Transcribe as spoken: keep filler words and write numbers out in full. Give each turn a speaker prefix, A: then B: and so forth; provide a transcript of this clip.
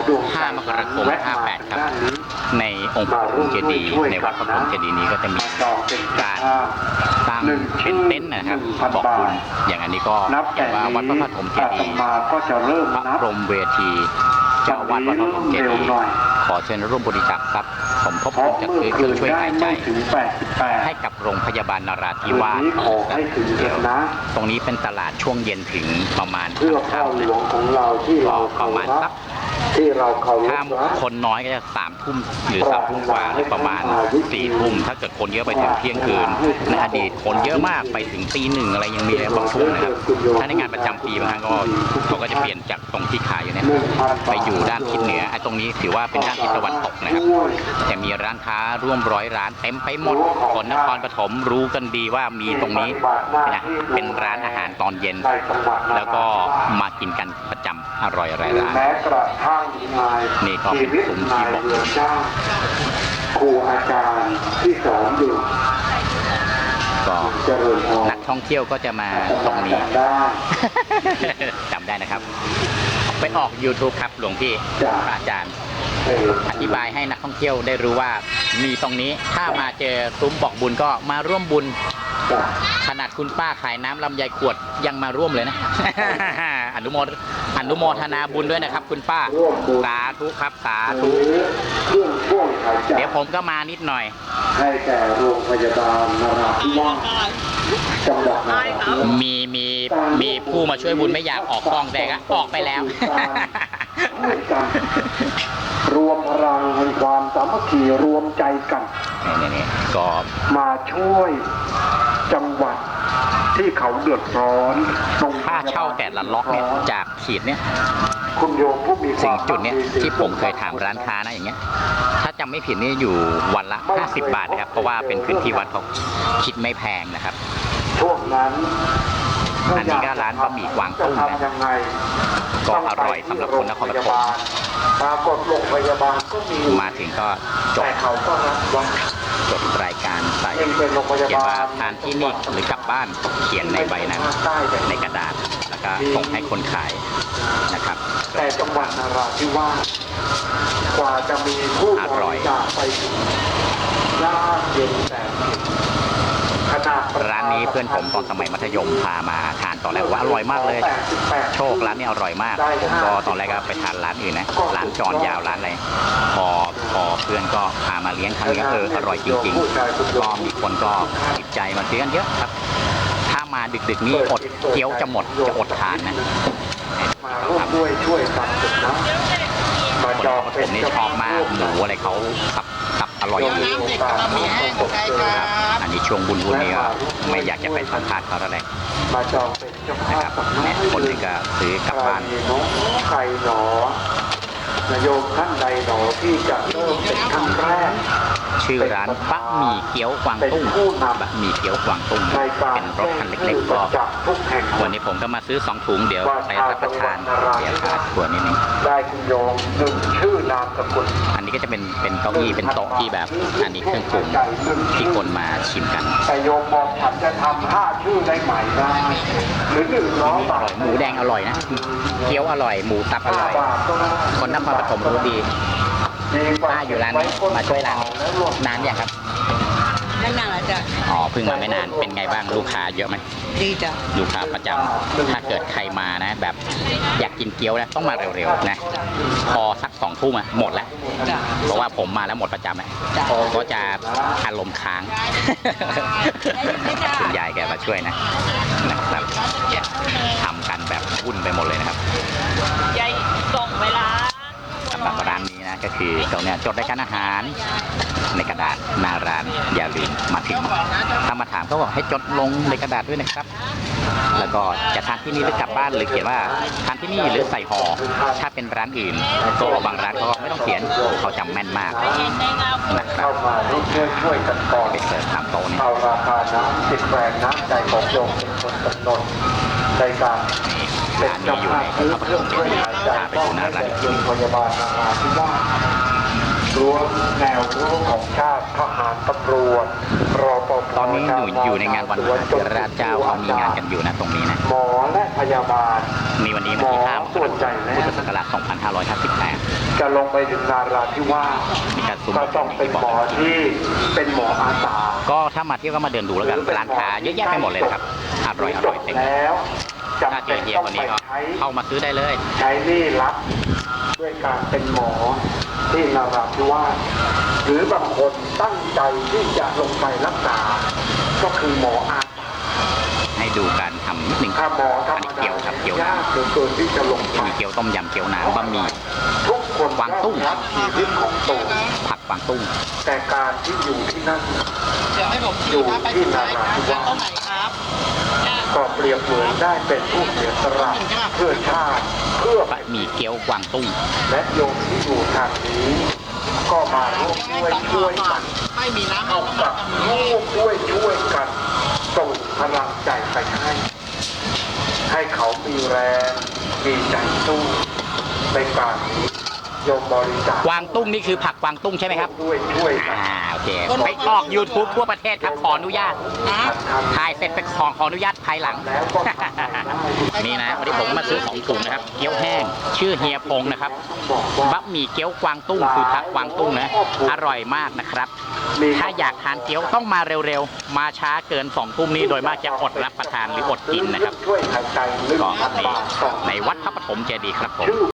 A: ห้ามกราคมห้าแปดครับในองค์พระปฐมเจดีย์ในวัดพระปฐมเจดีย์นี้ก็จะมีการตั้งเป็นเต็นท์นะครับบอกบุญอย่างอันนี้ก็เขียนว่าวัดพระปฐมเจดีย์พระพรหมเวทีเจ้าวัดวัดพระปฐมเจดีย์ขอเชิญร่วมบริจาคทรัพย์สมทบทุนจัดซื้อเครื่องช่วยหายใจให้กับโรงพยาบาลนราธิวาสตรงนี้เป็นตลาดช่วงเย็นถึงประมาณค่ำๆนะก็ประมาณสักถ้าคนน้อยก็จะสามทุ่มหรือสามทุ่มกว่าหรือประมาณสี่ทุ่มถ้าเกิดคนเยอะไปถึงเที่ยงคืนในอดีตคนเยอะมากไปถึงตีหนึ่งอะไรยังมีเลยบางช่วงนะครับถ้าในงานประจำปีบางครั้งก็เขาก็จะเปลี่ยนจากตรงที่ขายอยู่เนี่ยไปอยู่ด้านทิศเหนือไอ้ตรงนี้ถือว่าเป็นด้านทิศตะวันตกนะครับแต่มีร้านค้าร่วมร้อยร้านเต็มไปหมดคนนครปฐมรู้กันดีว่ามีตรงนี้นะเป็นร้านอาหารตอนเย็นแล้วก็มากินกันประจำอร่อยหลายร้านนี่ก็เป็นกลุ่มที่บอก
B: ครูอาจารย์ที่สอนอยู่
A: ก็นักท่องเที่ยวก็จะมาตรงนี้จำได้นะครับไปออก ยูทูบ ครับหลวงพี่อาจารย์อธิบายให้นักท่องเที่ยวได้รู้ว่ามีตรงนี้ถ้ามาเจอซุ้มบอกบุญก็มาร่วมบุญขนาดคุณป้าขายน้ำลำไยขวดยังมาร่วมเลยนะ อนุโมทอนุโมทนาบุญด้วยนะครับคุณป้าสาธุครับสาธุเดี๋ยวผมก็มานิดหน่อย
B: ให้แก่โรงพยาบาลนราธิวาสจังหวัดนราธิวาส
A: มีมีมีผู้มาช่วยบุญไม่อยากออกกล้องแต่ก็ออกไปแล้ว
B: รวมพลังแห่งความสามัคคีรวมใจกัน
A: นี่ๆก็
B: มาช่วยจังหวัดที่เขาเดือดร้อน
A: ค่าเช่าแต่ละล็อกเนี่ยจากขีดเนี่ย
B: คุณโยมผู้มี
A: สิ่งจุดเนี้ยที่ผมเคยถามร้านค้านะอย่างเงี้ยถ้าจำไม่ผิดนี่อยู่วันละห้าสิบบาทนะครับเพราะว่าเป็นพื้นที่วัดเขาคิดไม่แพงนะครับ
B: ช่วงนั้น
A: อันนี้ก็ร้านบะหมี่กวางตุ้งนะก็อร่อยสำหรับคนนครปฐม
B: ปรากฏโรงพยาบาลก็มี
A: มาถึงก็จบจบรายการใส่เขียนว่าทานที่นี่หรือกลับบ้านเขียนในใบนั้นในกระดาษแล้วก็ส่งให้คนขายนะครับ
B: แต่จังหวัดนราธิวาสกว่าจะมีผู้บริจาคไปยากเย็นแสนเข็ญ
A: ร้านนี้เพื่อนผมตอนสมัยมัธยมพามาทานตอนแรกว่าอร่อยมากเลยโชคร้านนี้อร่อยมากผมก็ตอนแรกก็ไปทานร้านอื่นนะร้านจอนยาวร้านอะไรพอพอเพื่อนก็พามาเลี้ยงครั้งนี้เอออร่อยจริงๆก็มีคนก็ติดใจมาซื้อกันเยอะครับถ้ามาดึกๆนี้อดเกี๊ยวจะหมดจะอดทานนะ
B: มาร่วมด้วยช่วยกันนะ
A: มาจองผมนี่ชอบมากหมูอะไรเขาขับขับอร่อยอยู่ครับอันนี้ช่วงบุญบุญนี้ก็ไม่อยากจะไปสัมภาษณ์เขาแล้วเลย
B: มาจองเป็นเจ้าภาพ
A: เนี่ยคนนึงก็ซื้อกลับบ้าน
B: ใครหนอนายโยมท่านใดหนอที่จะเริ่มเป็นครั้งแรก
A: ชื่อร้านบะหมี่เกี๊ยวกวางตุ้งบะหมี่เกี๊ยวกวางตุ้งเป็นรถคันเล็กๆก็วันนี้ผมก็มาซื้อสองถุงเดี๋ยวไปรับประทานเดี๋ยวขาดถั่วนิดนึง
B: ได้คุณโยมหนึ่งชื่อนามสกุล
A: อันนี้ก็จะเป็นเป็นเก้าอี้เป็นโต๊ะที่แบบอันนี้เครื่องปรุงที่คนมาชิมกัน
B: แต่โยมบอกฉันจะทำห้าชื่อได้ไหมได้หรือหนึ่งร้อยบาท
A: หมูแดงอร่อยนะเกี๊ยวอร่อยหมูตับอร่อยคนนครปฐมรู้ดีป้าอยู่ร้านนี้มาช่วยร้านนานอย่างครับ
C: ไม่นานจ้ะ
A: อ๋อเพิ่งมาไม่นานเป็นไงบ้างลูกค้าเยอะไหม
C: ดีจ้ะ
A: ลูกค้าประจำถ้าเกิดใครมานะแบบอยากกินเกี๊ยวนะต้องมาเร็วๆนะพอสักสองทุ่มอะหมดแล้วเพราะว่าผมมาแล้วหมดประจำอะก็จะอารมณ์ค้างคุณยายแกมาช่วยนะนะครับทำกันแบบวุ่นไปหมดเลยนะครับ
C: ยายส่งเวลา
A: สำหรับร้านนี้นะก็คือตรงนี้จดรายการอาหารในกระดาษหน้าร้านอย่าลืมมาถึงถ้ามาถามก็บอกให้จดลงในกระดาษด้วยนะครับแล้วก็จะทานที่นี่หรือกลับบ้านหรือเขียนว่าทานที่นี่หรือใส่ห่อถ้าเป็นร้านอื่นก็บางร้านเขาไม่ต้องเขียนเขาจำแม่นมากนะครับ
B: ช่วยกันก่อน
A: ไปเสิร์ฟตามโต๊ะนี่
B: เอาราคาน้ำติดแรงน้ำใจของโยมเป็นคนกำหนดในการ
A: ร้านนี้อยู่ในพระปฐมเจดีย์พาไปดูหน้าร้านอีกที
B: พยาบาลนาราธิวาสรั้วแนวรั้วของชาติทหารตำรวจรอปภ
A: ตอนนี้อยู่อยู่ในงานวันมหาเถรราชเจ้าเขามีงานกันอยู่นะตรงนี้นะ
B: หมอและพยาบาล
A: มีวันนี้วันที่ห้ามกราคมพุทธศักราชสองพันห้าร้อยห้าสิบแปด
B: จะลงไปถึงนาราธิวาส
A: มีการซุ้ม
B: ก็ต้องเป็นหมอที่เป็นหมออาสา
A: ก็ถ้ามาเที่ยวก็มาเดินดูแล้วกันร้านค้าเยอะแยะไปหมดเลยนะครับอร่อยอร่อยเต็ม
B: แล้วจำ
A: ถ้าเจ
B: เป็
A: อน เฮีย
B: ต้อง
A: วัน
B: ไป
A: นี้ก็
B: ใช้
A: เข้ามาซื้อได้เลย
B: ใช้หนี่รับด้วยการเป็นหมอที่นาราธิวาสหรือบางคนตั้งใจที่จะลงไปรักษา ก็คือหมออาสา
A: ให้ดูการทำนิดหนึ่ง
B: ถ้าหมอธร
A: อัน
B: รม
A: นี้
B: ดา
A: เกี๊ยวครับเกี๊ยว
B: ยากเหลือเกินที่จะลงไป
A: มีเกี๊ยวต้มยำเกี๊ยวน้ำบะหมี่
B: ทุกคน
A: กวางตุ้ง
B: รักชีวิตของตัว
A: ผักกวางตุ้ง
B: แต่การที่อยู่ที่นั่น
C: เดี๋ยวให้ผม
B: อยู่
C: ชี้ครับไป
B: ที่
C: ที่ไหน
B: นารา
C: ครับ
B: ธิวาส
C: ต้นไหนครับ
B: ก็เปรียบเหมือนได้เป็นผู้เสียสละเพื่อชาติเพื่อบ
A: ะหมี่เกี๊ยวกวางตุ้ง
B: และโยมที่อยู่ทางนี้ ก็มาร่วมด้วยช่วยกัน
C: ไม่มีน้ำ
B: เอากับร่วมด้วยช่วยกันส่งพลังใจไปให้ ให้เขามีแรงมีใจสู้ในการนี้โยมบริจาค
A: กวางตุ้งนี่คือผักกวางตุ้งใช่ไหมครับ
B: ด้วยช่วยกัน
A: อ่าโอเคไปออก YouTube ทั่วประเทศครับขออนุญาตถ่ายเสร็จไปขอขออนุญาตภายหลัง
B: แล้วก็ทำได้
A: นี่นะวันนี้ผมมาซื้อของถุงนะครับเกี๊ยวแห้งชื่อเฮียพงนะครับ
B: บอกว่า
A: บะหมี่เกี๊ยวกวางตุ้งคือผักกวางตุ้งนะอร่อยมากนะครับ ถ้าอยากทานเกี๊ยวต้องมาเร็วๆ มาช้าเกินสองทุ่มนี้โดยมากจะอดรับประทานหรืออดกินนะครับ
B: ช่วยหายใจลึก
A: ก็
B: พัน
A: ใน
B: บาทต่อ
A: ในวัดพระปฐมเจดีย์ครับผม
B: ชื่อ